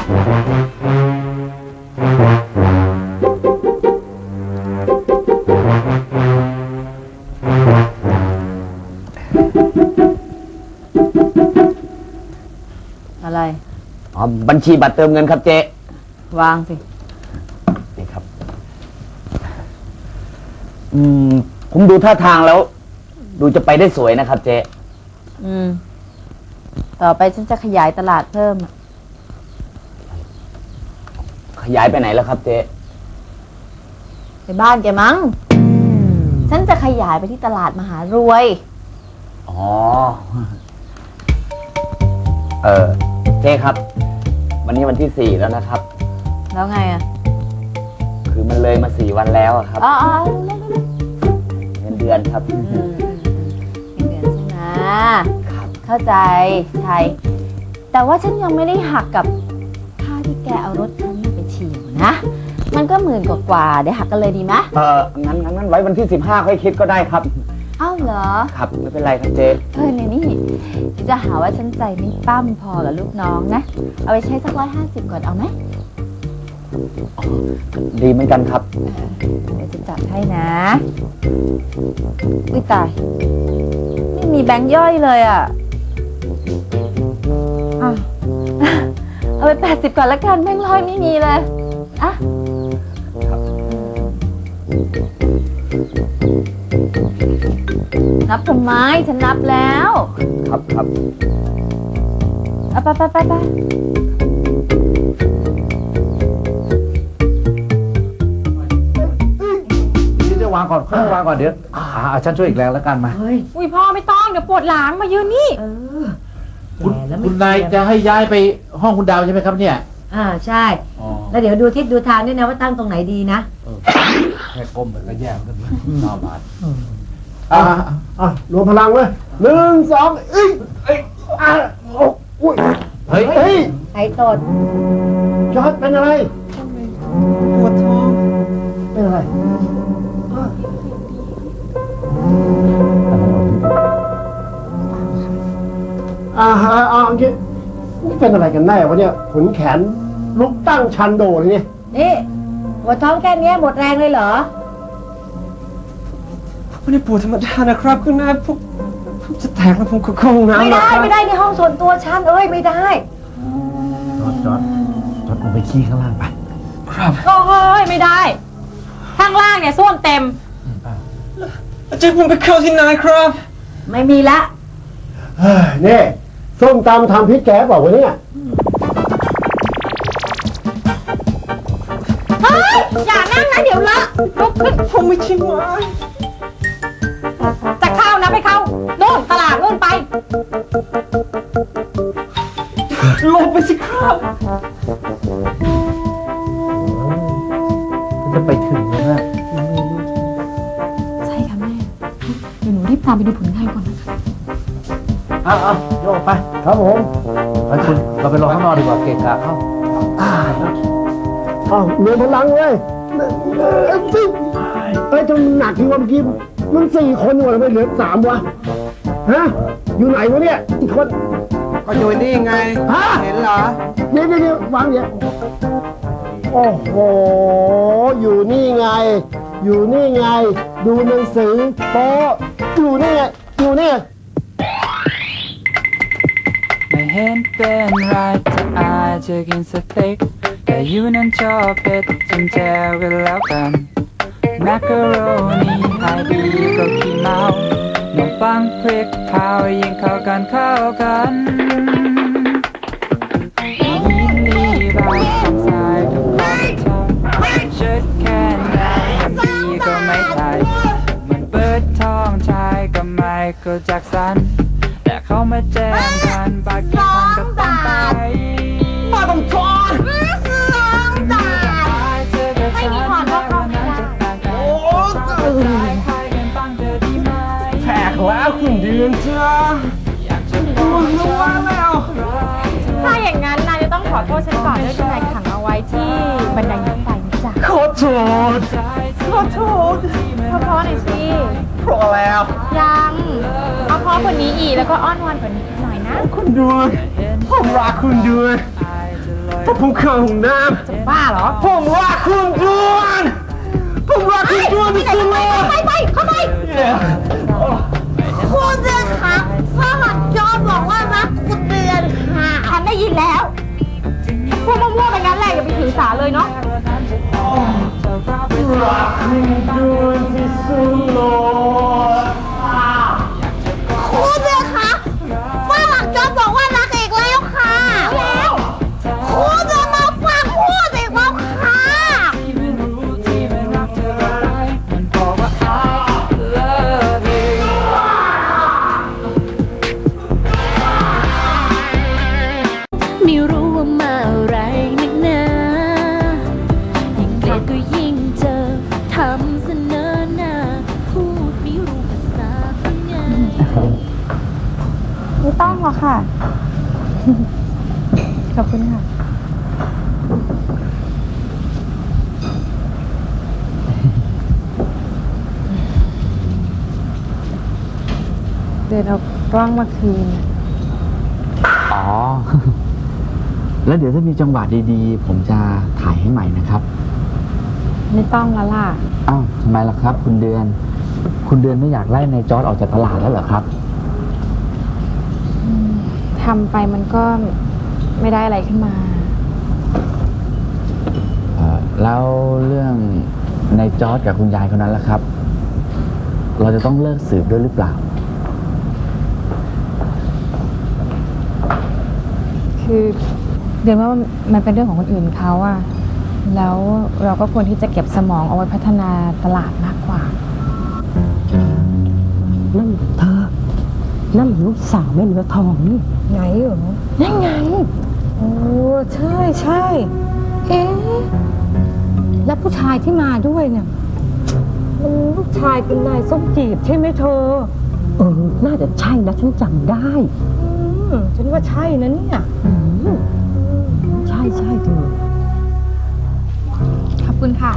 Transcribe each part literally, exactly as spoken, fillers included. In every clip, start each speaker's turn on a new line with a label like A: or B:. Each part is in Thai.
A: อะไร
B: อ๋อบัญชีบัตรเติมเงินครับเจ๊
A: วางสิ
B: นี่ครับอืมผมดูท่าทางแล้ว ดูจะไปได้สวยนะครับเจ๊
A: อืมต่อไปฉันจะขยายตลาดเพิ่ม
B: ขยายไปไหนแล้วครับเจ๊
A: ไปบ้านแกมั้งฉันจะขยายไปที่ตลาดมหารวย
B: อ๋อเออเจ๊ครับวันนี้วันที่สี่แล้วนะครับ
A: แล้วไงอ่ะ
B: คือมันเลยมาสี่วันแล้วครับ
A: อ๋อ
B: เงินเดือนครับ
A: เงินเดือนใช่ไหมครับเข้าใจใช่แต่ว่าฉันยังไม่ได้หักกับค่าที่แกเอารถฉันไปฉี่นะมันก็หมื่นกว่าๆเดี๋ยวหักกันเลยดีไหม
B: เอองั้นงั้นไว้วันที่สิบห้าค่อยคิดก็ได้ครับ
A: อ้าวเหรอ
B: ครับไม่เป็นไรครับเจ๊
A: เฮ้ยเนี่ยนี่จะหาว่าฉันใจไม่ปั้มพอกับลูกน้องนะเอาไปใช้สักร้อยห้าสิบก่อนเอาไหม
B: ดีเหมือนกันครับ
A: เดี๋ยวจะจัดให้นะอุ้ยตายไม่มีแบงค์ย่อยเลยอ่ะเอาไปแปดสิบก่อนละกันแบงค์ร้อยไม่มีเลยอ่ะนับทำไมฉันนับแล้ว
B: ครับครับ
A: เอาไปไปไปไป
C: นี่จะวางก่อนค่อยวางก่อนเดี๋ยวอ่าฉันช่วยอีกแรงแล้วกันมา
D: อุ้ยพ่อไม่ต้องเดี๋ยวปวดหลังมายืนนี่
C: เออคุณคุณนายจะให้ย้ายไปห้องคุณดาวใช่ไหมครับเนี่ย
E: อ่าใช่แล้วเดี๋ยวดูทิศดูทางด้วยนะว่าตั้งตรงไหนดีนะ
C: แค่ก้มไปก็แย่กันน่าบาด
F: อ่าอ่ะรวมพลังเว้ยหนึ่งสองเอ้ยเอ้ยอ่ะโอ้อุ้ยเฮ้ยเฮ้ย
E: ไอ้ตด
F: จอร์จเป็นอะไร
D: ปวดท้อง
F: เป็นอะไรอ่าฮะอ่าโอเคเป็นอะไรกันแน่วะเนี่ยขนแขนลุกตั้งชันโดเลยเนี่ย
E: นี่ปวดท้องแค่นี้หมดแรงเลยเหรอ
D: ไม่ได้ปวดธรรมดานะครับคุณนายพวกจะแตกแล้วผมก็คงน้ำ
E: ไม่ได้ไม่ได้ในห้องส่วนตัวฉันเอ้ยไม่ได้
C: จอดจอดจอดลงไปขี้ข้างล่างไป
D: ครับโอ้ยไม่ได้ข้างล่างเนี่ยส้วมเต็มจะผมไปเข้าที่ไหนครับ
E: ไม่มีละ
F: เฮ้ยนี่ส้มตำทำพริกแกงบอกว่าเนี่ย
D: เฮ้ยอย่านั่งนะเดี๋ยวละลุกขึ้นผมไม่ชิมไว้จะเข้านะไปเข้าโน่นตลาดโน่นไปลงไปสิครับ
C: จะไปถึงแล้วนะ
D: ใช่ค่ะแม่เดี๋ยวหนูรีบตามไปดูผลงานก่อนนะคะ
C: อ้าวโยกไป
F: ครับผม
C: ไปคุณเราไปรอข้างนอกดีกว่าเกะกะเข้า
F: อ้าวรวมพลังเว้ยเอ้ยจนหนักที่ว่าเมื่อกี้มันสี่คนอยู่แล้วไม่เหลือสามวะฮะอยู่ไหนวะเนี่ยอีกคน
G: ก็อยู่นี่ไงเห็นเหรอ
F: เดี๋ยวเดี๋ยววางเนี่ยโอ้โหอยู่นี่ไงอยู่นี่ไงดูหนังสือโป๊อยู่นี่ไงอยู่นี่
H: ไม่เห็นเป็นไรที่อาจจะกินสเต็กแต่ยูนั้นชอบเผ็ดจนแจวกันแล้วกันมักกะโรนีขายดีก็ขี้เมาขนมปังพริกเผายิ่งเข้ากันเข้ากันยินดีบางคำสายทุกคนชอบชุดแค่นั้นดีก็ไม่ไทยมันเปิดท้องชายก็ไม่ก็จากสันแต่เขามาแจ้งกันบางทีพันก็ต้องไป
D: มาต้องทอนไม่มีผ่อนก็เข้าไม่ได้โอ้
G: แขกแล้วคุณเดือนจ้าคุณรู้ว่าแล้ว
D: ถ้าอย่างนั้นนายจะต้องขอโทษฉันก่อนด้วยที่นายขังเอาไว้ที่บันไดรถไฟนะจ๊ะ
G: ขอโทษขอโทษ
D: เพราะเพราะหน่อยสิ
G: เพราะแล้ว
D: ยังเอาเพราะกว่านี้อีกแล้วก็อ้อนวอนกว่านี้หน่อยนะ
G: คุณด้วยผมรักคุณด้วยผมเข้าห้องน้ำ
D: บ้าเหรอ
G: ผมว่าคุณจวนผมว่าคุณจวนที่สุดเลย
D: ไปไปเข้าไปคุณเดือนค่ะพ่อหลักจอบอกว่ารักคุณเดือนค่ะฉันได้ยินแล้วพูดมั่วๆไปงั้นแหละอย่าไปถือสาเลยเนาะ
G: รักคุณจวนที่สุดเลย
D: คุณเดือนค่ะพ่อหลักจอบอกว่ารักอีกแล้วค่ะแล้วคุณเดือนมาฟังพูดอีกแล้วค่ะ
H: ที่ไม่รู้ที่ไม่รักเธอไปมันบอกว่า I love you
I: ไม่รู้ว่ามาอะไรนักหนายิ่งเกลียดก็ยิ่งเจอทำเสนอหน้าพูดไม่รู้ภาษาเป็นไง
A: ไม่ต้องหรอกค่ะ ขอบคุณค่ะ เดินเอากล้องมาคืน
B: อ๋อ แล้วเดี๋ยวถ้ามีจังหวะดีๆ ผมจะถ่ายให้ใหม่นะครับ
A: ไม่ต้องแล้วล่ะ
B: อ้าวทำไมล่ะครับ คุณเดือน คุณเดือนไม่อยากไล่นายจอร์จออกจากตลาดแล้วเหรอครับ
A: ทำไปมันก็ไม่ได้อะไรขึ้นมา
B: เอ่อแล้วเรื่องนายจอร์จกับคุณยายคนนั้นล่ะครับ เราจะต้องเลิกสืบด้วยหรือเปล่า
A: คือเดือนว่ามันเป็นเรื่องของคนอื่นเขาอะแล้วเราก็ควรที่จะเก็บสมองเอาไว้พัฒนาตลาดมากกว่า
E: นั่นเธอ นั่นลูกสาวแม่เนื้อทองนี่ไงเหรอนั่นไง โอ้ใช่ใช่เอ๊ะแล้วผู้ชายที่มาด้วยเนี่ยมันลูกชายเป็นนายส้มจีบใช่ไหมเธอ เออ น่าจะใช่นะฉันจำได้ อืมฉันว่าใช่นะเนี่ยอืมใช่ใช่เธอ
A: ขอบคุณค่ะ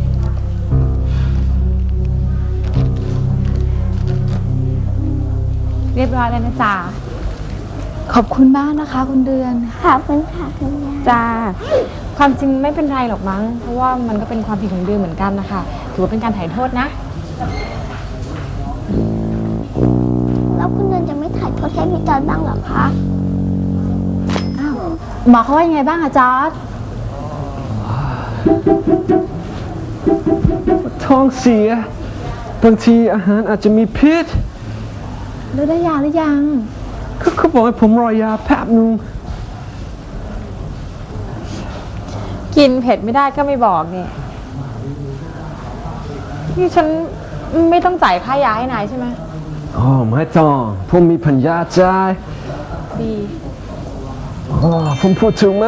A: เรียบร้อยแล้วนะจ๊ะ ขอบคุณมากนะคะคุณเดือน
I: ขอบคุณค่ะคุณยาย
A: จ้า ความจริงไม่เป็นไรหรอกมั้ง เพราะว่ามันก็เป็นความผิดของเดือนเหมือนกันนะคะ ถือว่าเป็นการถ่ายโทษนะ
I: แล้วคุณเดือนจะไม่ถ่ายโทษให้พี่จอนบ้างเหรอคะ
A: อ้าว หมอเขาว่ายังไงบ้างอะจอร์จ
G: ท้องเสีย บางทีอาหารอาจจะมีพิษ
A: แล้วได้ยาหรือยัง
G: เขาเขาบอกให้ผมรอยาแป๊บนึง
A: กินเผ็ดไม่ได้ก็ไม่บอกนี่ นี่ฉันไม่ต้องจ่ายค่ายาให้นายใช่ไหม
G: อ๋อไม่ต้องผมมีปัญญาจ่าย
A: ดี
G: อ๋อผมพูดถูกไหม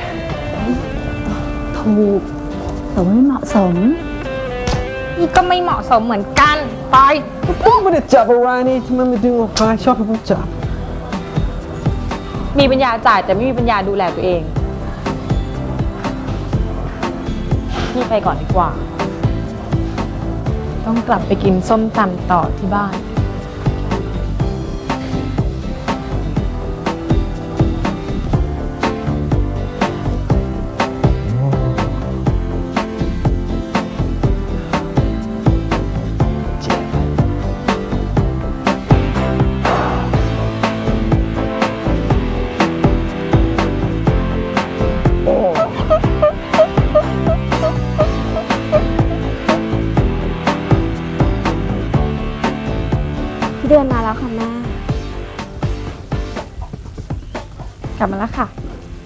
A: ถูก แต่ว่าไม่เหมาะสม นี่ก็ไม่เหมาะสมเหมือนกัน ไป
G: ผมไม่ได้จับอะไรนี่ทำไมไม่ดึงออกไปชอบให้ผมจับ
A: มีปัญญาจ่ายแต่ไม่มีปัญญาดูแลตัวเอง พี่ไปก่อนดีกว่า ต้องกลับไปกินส้มตำต่อที่บ้าน
I: พี่เดือนมาแล้วค่ะแม่
A: กลับมาแล้วค่ะ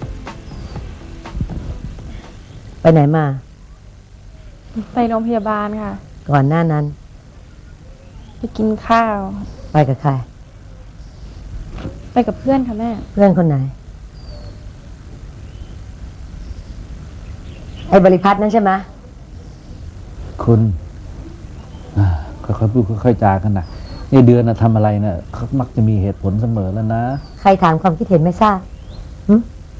E: ไปไหนมา
A: ไปโรงพยาบาลค่ะ
E: ก่อนหน้านั้น
A: ไปกินข้าว
E: ไปกับใคร
A: ไปกับเพื่อนค่ะแม่
E: เพื่อนคนไหน ไอ้บริพัตรนั่นใช่ไหม
C: คุณอ่าค่อยๆพูดค่อยๆจากันนะในเดือนนะทำอะไรนะเขามักจะมีเหตุผลเสมอแล้วนะ
E: ใครถามความคิดเห็นไม่ทราบหึ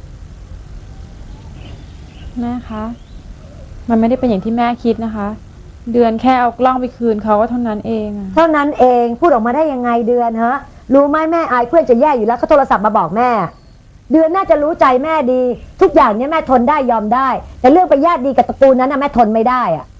A: แม่คะ มันไม่ได้เป็นอย่างที่แม่คิดนะคะ เดือนแค่เอากล้องไปคืนเขาก็เท่านั้นเองอะ
E: เท่านั้นเองพูดออกมาได้ยังไงเดือนฮะ รู้ไหมแม่อายเพื่อนจะแย่อยู่แล้วเขาโทรศัพท์มาบอกแม่เดือนน่าจะรู้ใจแม่ดี ทุกอย่างเนี่ยแม่ทนได้ยอมได้ แต่เรื่องไปญาติดีกับตระกูลนั้นนะแม่ทนไม่ได้อะ